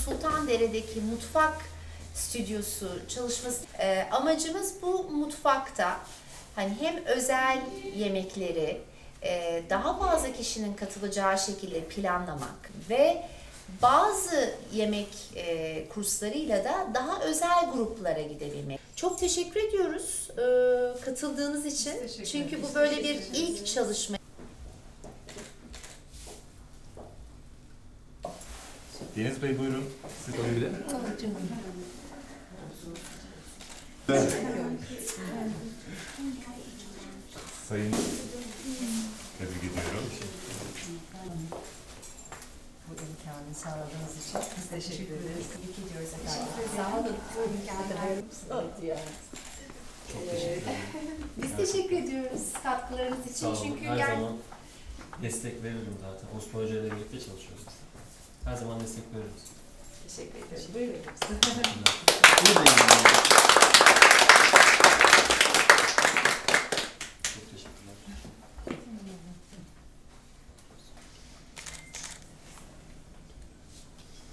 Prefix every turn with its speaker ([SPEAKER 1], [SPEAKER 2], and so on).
[SPEAKER 1] Sultandere'deki mutfak stüdyosu çalışması. Amacımız bu mutfakta hani hem özel yemekleri daha fazla kişinin katılacağı şekilde planlamak ve bazı yemek kurslarıyla da daha özel gruplara gidebilmek. Çok teşekkür ediyoruz katıldığınız için. Çünkü bu böyle bir ilk çalışma.
[SPEAKER 2] Deniz Bey buyurun. Siz de öyle. Sayın tebrik ediyorum.
[SPEAKER 3] Bu imkanı sağladığınız için biz teşekkür ederiz. Tebrik ediyoruz efendim. Sağ olun. Bu imkanı verdiğiniz
[SPEAKER 2] Çok teşekkür ederim.
[SPEAKER 1] Biz teşekkür ediyoruz katkılarınız için.
[SPEAKER 4] Sağ olun.
[SPEAKER 1] Çünkü
[SPEAKER 4] Her zaman destek veririm zaten. Osman Hoca ile birlikte çalışıyoruz. Her zaman destek veriyoruz.
[SPEAKER 1] teşekkür ederim. Buyurun.
[SPEAKER 4] Buradayım.